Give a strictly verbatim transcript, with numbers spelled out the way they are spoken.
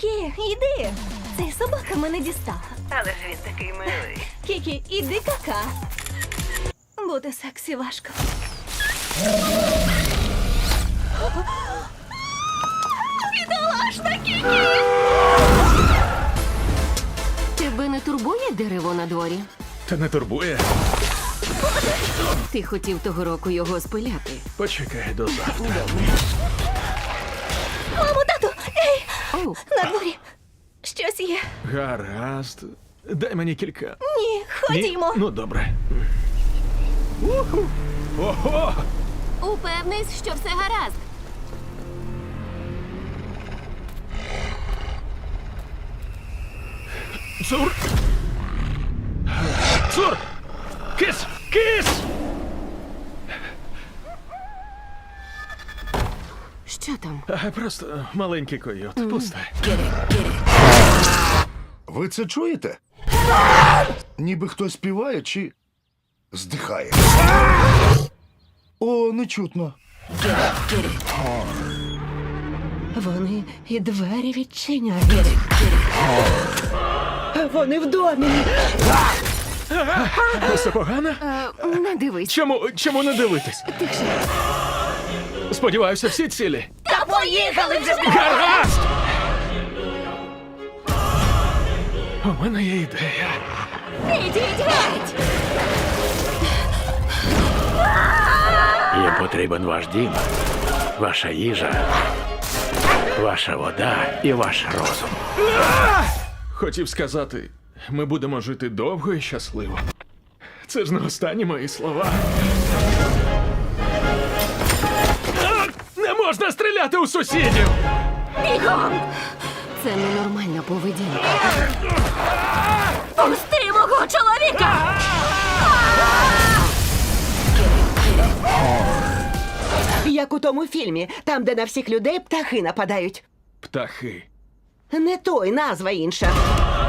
Кікі, іди. Цей собака мене дістала. Але ж він такий милий. Кікі, іди кака. Бути сексі важко. Бідолашна Кікі! Тебе не турбує дерево на дворі? Та не турбує. Ти хотів того року його спиляти. Почекай до завтра. Мамо, тату! Ей! Оу, На дворі! Щось є. Гаразд. Дай мені кілька. Ні, Ні? ходімо. Ну, добре. Уху. Ого! упевнись, що все гаразд. Цур! Цур! Кис! Кис! Що там? А, просто маленький койот. Пусте. Ви це чуєте? Ніби хтось співає чи здихає. О, не чутно. Вони і двері відчиняють. Вони в домі. Все погано? Е, не дивись. Чому, чому не дивитись? Сподіваюся, всі цілі. Та поїхали вже! Гаразд! У мене є ідея. Ідіть геть! Їм потрібен ваш дім, ваша їжа, ваша вода і ваш розум. Хотів сказати, ми будемо жити довго і щасливо. Це ж не останні мої слова. А! Не можна стріляти у сусідів! Бігом! Це ненормальна поведінка. Пусти мого чоловіка! Як у тому фільмі, там, де на всіх людей птахи нападають. Птахи. Не той, назва інша.